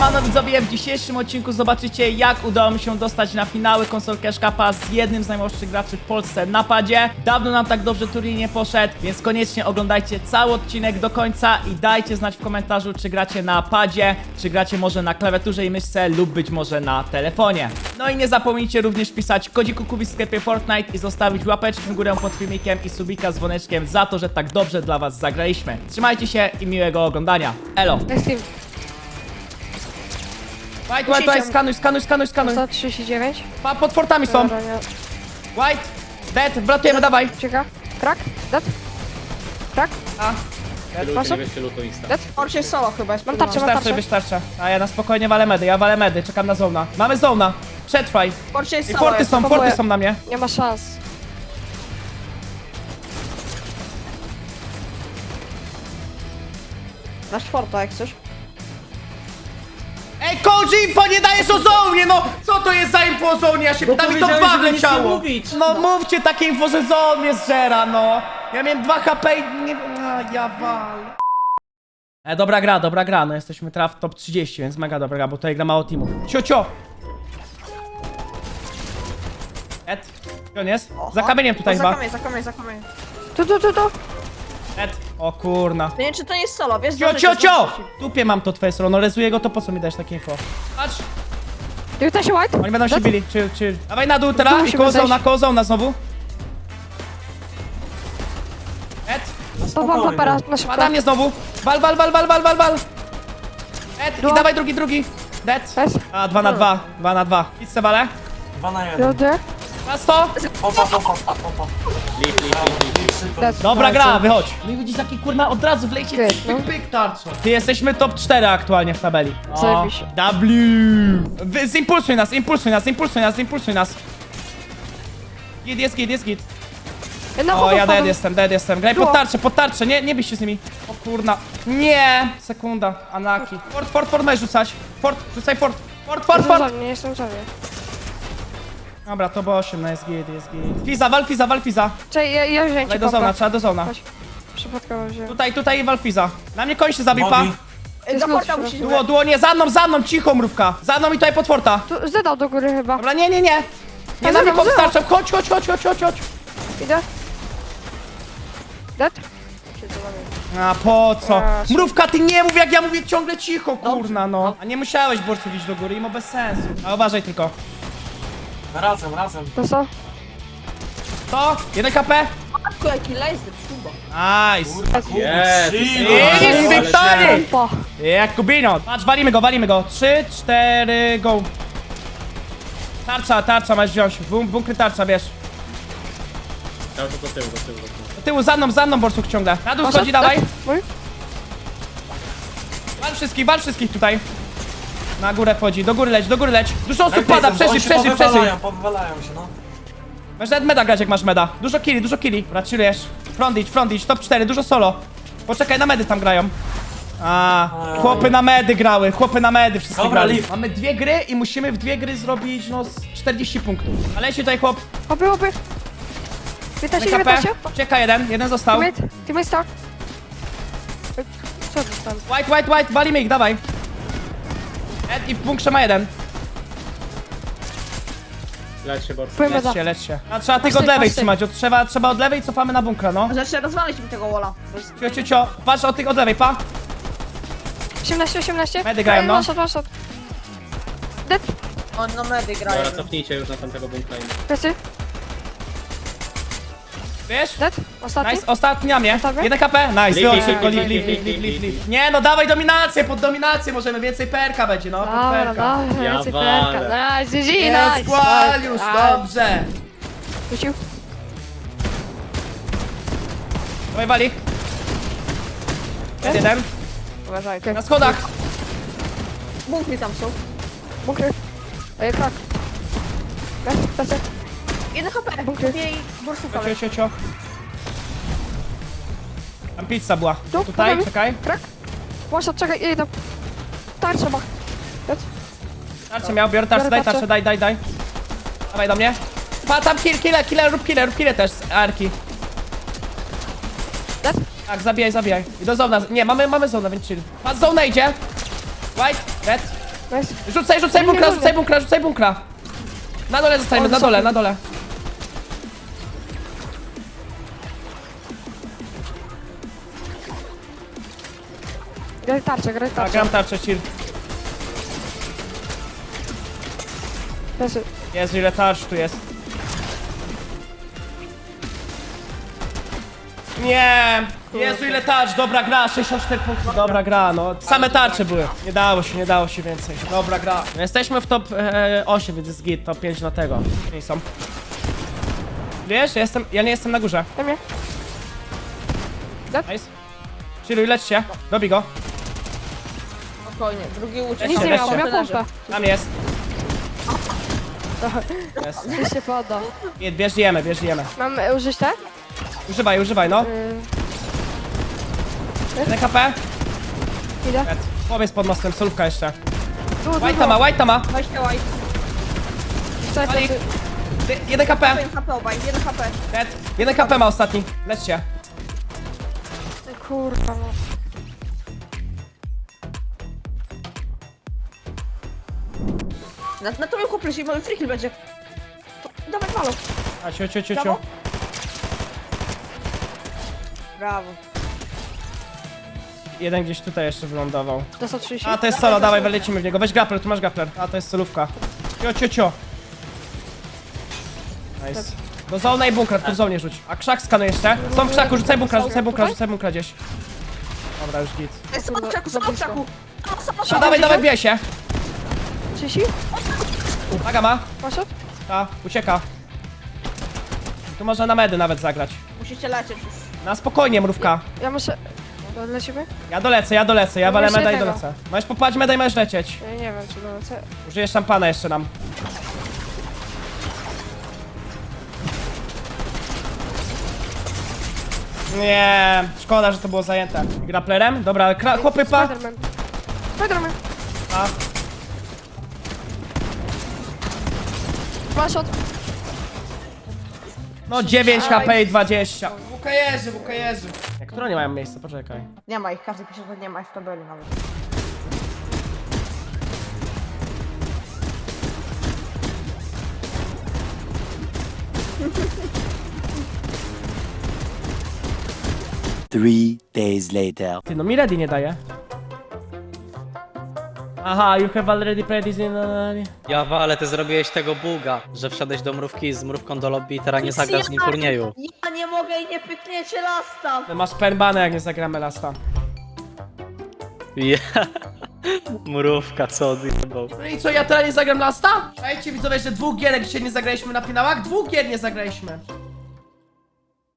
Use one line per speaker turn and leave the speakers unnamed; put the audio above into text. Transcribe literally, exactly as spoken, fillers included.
Siemano widzowie, w dzisiejszym odcinku zobaczycie, jak udało mi się dostać na finały konsol Cash Cupa z jednym z najmłodszych graczy w Polsce na padzie. Dawno nam tak dobrze turniej nie poszedł, więc koniecznie oglądajcie cały odcinek do końca i dajcie znać w komentarzu, czy gracie na padzie, czy gracie może na klawiaturze i myszce lub być może na telefonie. No i nie zapomnijcie również pisać kodziku Kubi w sklepie Fortnite i zostawić łapeczkę w górę pod filmikiem i subika z dzwoneczkiem za to, że tak dobrze dla was zagraliśmy. Trzymajcie się i miłego oglądania. Elo!
Next team.
White, white, white, skanuj, skanuj, skanuj, skanuj.
sto trzydzieści dziewięć.
Pa, pod fortami są.
Dobra, nie.
White, dead, wlatujemy, dawaj.
Czeka. Krak. Dead. Krak.
A,
Proszę. Dead.
Orcie solo chyba jest.
Mam tarczę, mam
wystarczy,
tarczę.
wystarczy. A ja na spokojnie walę medy, ja walę medy, czekam na zona. Mamy zona, przetrwaj.
Orcie jest
I
solo.
forty
jest.
są, forty
próbuję.
są na mnie.
Nie ma szans.
Nasz forta jak coś.
Ej, Koji, info nie dajesz o zonie, no! Co to jest za info o zonie? Ja się pytam i to
powiedziałeś,
dwa
żeby nic nie
wleciało.
mówić.
No mówcie takie info, że zon mnie zżera, no. Ja miałem dwa H P i nie... A, ja wal. E, dobra gra, dobra gra, no jesteśmy teraz w top trzydzieści, więc mega dobra gra, bo tutaj gra mało teamów. Cio, cio! Ed, gdzie on jest? Za kamieniem tutaj
o,
chyba.
Za kamień, za kamień, za kamień.
Tu, tu, tu, tu.
Ed, o kurna.
Nie wiem czy to nie jest solo, wiesz?
Cio,
zdążycie,
cio, cio!
zdążycie.
Dupie mam to twoje solo, no rezuję go, to po co mi dajesz takie info? Patrz,
dziewiętnaście white.
oni będą się
Dead.
bili, chill, chill. Dawaj na dół teraz
Dół
i
musimy
koło
zejść.
zona, koło zona znowu. Ed,
Popam papera na szybko.
pada mnie znowu. Wal, wal, wal, wal, wal, wal, wal. Ed, i
Dół.
dawaj drugi, drugi. Dead.
Jest.
A, dwa na dwa, dwa na dwa. Pizzę walę.
Dwa na jeden.
Ludy.
Na sto.
Pompa, pompa, pompa. Lip, lip, lip, lip, szybko.
Dead.
Dobra
Nice.
gra, wychodź. No i widzisz jaki kurna od razu wlejcie
Good,
pyk,
no.
pyk, tarczo. Ty jesteśmy top cztery aktualnie w tabeli. O,
Zajebiście.
W. Wy, zimpulsuj nas, impulsuj nas, impulsuj nas, impulsuj nas. Git, jest git, jest git.
Jedna
O,
chodu
ja dead
wpadł.
jestem, dead jestem. Graj pod
Było.
tarczę, pod tarczę, nie, nie byś się z nimi. O kurna. Nie! Sekunda, Anaki. Fort, fort, fort możesz rzucać. Fort, rzucaj fort. Fort, fort,
Jestem
fort.
za- Nie jestem w sobie.
Dobra, to było osiem, no jest git, jest git. Fiza, wal Fiza, wal Fiza.
Czekaj, ja, ja wziąłem
Daj
ci
do zona,
popę.
trzeba do zona.
Chodź. Przypadkowo wziąłem.
Tutaj, tutaj wal Fiza. Na mnie koń się zabił, pa.
Nogi.
Ej, Do
Jest
forta
lód,
musisz
Duo, duo, nie, za mną, za mną, cicho mrówka. Za mną i tutaj pod forta.
Tu zdedał do góry chyba.
Dobra, nie, nie, nie. Nie
A,
na mnie
zero, zero.
powstarczał. Chodź, chodź, chodź, chodź, chodź, chodź.
Idę. Dead.
A po co?
A,
Mrówka, ty nie mów jak ja mówię ciągle cicho, kurna no. A nie musiałeś borców iść do góry, imo bez sensu. A uważaj tylko.
Razem, razem.
To co?
To, jeden K P.
Matko, jaki laser, szuba.
Nice.
Yes.
Jest Wiktorii!
Pompa.
Jakubino. Patrz, walimy go, walimy go. Trzy, cztery, go. Tarcza, tarcza masz wziąć. Bum, bunkry tarcza, wiesz.
Cały czas do tyłu, do tyłu, do tyłu.
Do tyłu, za mną, za mną borsuk ciągle. Na dół
Poszedł,
schodzi, dawaj.
Mój?
Wal wszystkich, wal wszystkich tutaj. Na górę wchodzi, do góry leć, do góry leć. Dużo osób pada,
Oni
przeżyj,
się
przeżyj, przeżyj.
powywalają, powywalają się, no.
Masz nawet meda grać jak masz meda. Dużo killi, dużo killi. Dobra, chillujesz. Front idź, front idź, top cztery, dużo solo. Poczekaj, na medy tam grają. A, chłopy na medy grały, chłopy na medy wszystkie
Dobra,
grali.
leave.
Mamy dwie gry i musimy w dwie gry zrobić, no, z czterdzieści punktów. Ale się tutaj chłop,
Hopy, hopy. piętnaście,
K P.
dziewiętnaście.
Czeka jeden, jeden został.
Teammate. Teammate start. Ej, Co dostałem?
White, white, white, walimy ich, dawaj. Ed i w bunkrze ma jeden.
Leć się, Borsu.
Powiem
Lecz
za.
się, lecz się. A trzeba tych od
Patrzcie,
lewej
patrzcie.
trzymać, od, trzeba, trzeba od lewej, cofamy na bunkra, no.
Znaczy rozwalić mi tego walla. To jest-
Cio, cio, cio. Patrz od tych od lewej, pa.
osiemnaście, osiemnaście.
Medy grają,
Ej,
no.
one shot, one shot. Dead.
On na medy grają.
Dobra, cofnijcie już na tamtego bunkra. i-
Plecy.
Wiesz?
Dead. Ostatni.
Nice, ostatni na mnie.
Dobra.
jeden K P, nice,
Leave,
wychodź
leave,
szybko,
leave,
live, live,
leave,
live, live,
leave,
live,
leave.
Nie no, dawaj dominację, pod dominację możemy, więcej perka będzie, no, pod
Dobra,
perka.
dobra,
Ja
więcej
walę.
perka. Nice, G G,
Jest
nice.
squall już,
Nice.
dobrze.
Rzucił.
Dawaj wali. Jest jeden,
Uważaj.
na schodach.
Bunkry tam są.
Bunkry. Ej, krak. Dead, plecy.
jeden H P.
Bunkry.
Jej borsówka.
Cio, cio, cio. Tam pizza była.
Tu,
Tutaj,
podamy.
czekaj.
Krak. One shot, czekaj, idę tam. Tarcza ma. Dead.
Tarczę miał, biorę tarczę,
Biorę
daj
tarczę.
tarczę, daj, daj, daj. Dawaj do mnie. Pa, tam kill, kill, kill, rób kill, rób kill też z arki.
Dead.
Tak, zabijaj, zabijaj. I do zona. Nie, mamy, mamy zona, więc chill. Patrz, zona idzie. White, red.
Nice.
Rzucaj, rzucaj
Nie,
bunkra,
nie, nie.
rzucaj bunkra, rzucaj bunkra. Na dole zostajemy,
O,
na dole,
wysoko.
na dole.
Graj tarczę, graj
A,
tarczę.
gram tarczę, chill.
Leży.
Jezu, ile tarcz tu jest. Nie! Jezu, ile tarcz! Dobra gra, sześćdziesiąt cztery punkty. Dobra gra, no. Same tarcze były. Nie dało się, nie dało się więcej. Dobra gra. Jesteśmy w top e, osiem, więc jest git. Top pięć na tego. Nie są. Wiesz, ja, jestem, ja nie jestem na górze.
Na mnie.
Nice. Chilluj, lećcie. Dobij go.
Spokojnie, drugi uciekł.
Nic nie
Weźcie.
miał, miał pompę.
Tam jest. Jest.
Już się poda.
Git, bierz jemy, bierz jemy.
Mam e, użyć te?
Używaj, używaj, no.
Yy,
jeden H P.
idę.
Powiedz pod mostem, solówka jeszcze.
Tu, tu,
White'a ma, White'a ma.
Weźcie white.
Czekaj,
Malik.
plecy.
Ty- Jeden H P.
jeden H P obaj, jeden H P.
Dead. Jeden H P ma ostatni. Lećcie.
Kurwa, no.
Na, na to mnie chłopie, mamy free kill będzie. To, dawaj malo.
A ciu, ciu, ciu, ciu.
Brawo. Brawo.
Jeden gdzieś tutaj jeszcze wylądował.
Dostał trzydzieści.
A, to jest solo, dawaj, lecimy w niego. Weź grappler, tu masz grappler. A, to jest solówka. Cio, cio, cio. Nice. Do zona i bunkra, tu w zonie rzuć. A krzak skanuj jeszcze. Są w krzaku, rzucaj bunkra, rzucaj bunkra, rzucaj bunkra gdzieś. Dobra, już git.
Jest
Kurwa,
od krzaku,
za
są od
blisko.
krzaku.
A, dawaj, dawaj, bije się.
trzydzieści?
Uwaga ma.
Masz od?
Ta, ucieka. Tu można na medy nawet zagrać.
Musicie lecieć już.
Na spokojnie, mrówka.
Ja muszę... No, lecimy?
Ja dolecę, ja dolecę, ja
No
walę
właśnie
meda i
tego.
dolecę. Możesz popłać meda i możesz lecieć.
Ja nie wiem, czy dolecę.
Użyjesz szampana jeszcze nam. Nie, szkoda, że to było zajęte. Grapplerem? Dobra, kra- chłopy pa.
Spiderman. Spiderman.
A,
Masz od...
no dziewięć H P i dwadzieścia. Wukajerzy, wukajerzy. Jak które nie mają miejsca? Poczekaj.
Nie ma ich, każdy pisze, że nie ma ich w tabeli nawet.
Three days later.
Ty, no mi ready nie daje. Aha, you have already played this in...
Jawa, ale ty zrobiłeś tego buga, że wszedłeś do mrówki z mrówką do lobby i teraz nie zagrasz z nim turnieju.
Ja nie mogę i nie pykniecie lasta.
No masz penbane, jak nie zagramy lasta.
Ja. Mrówka, co odjebał.
No i co, ja teraz nie zagram lasta? Słuchajcie widzowie, że dwóch gierek dzisiaj nie zagraliśmy na finałach? Dwóch gier nie zagraliśmy.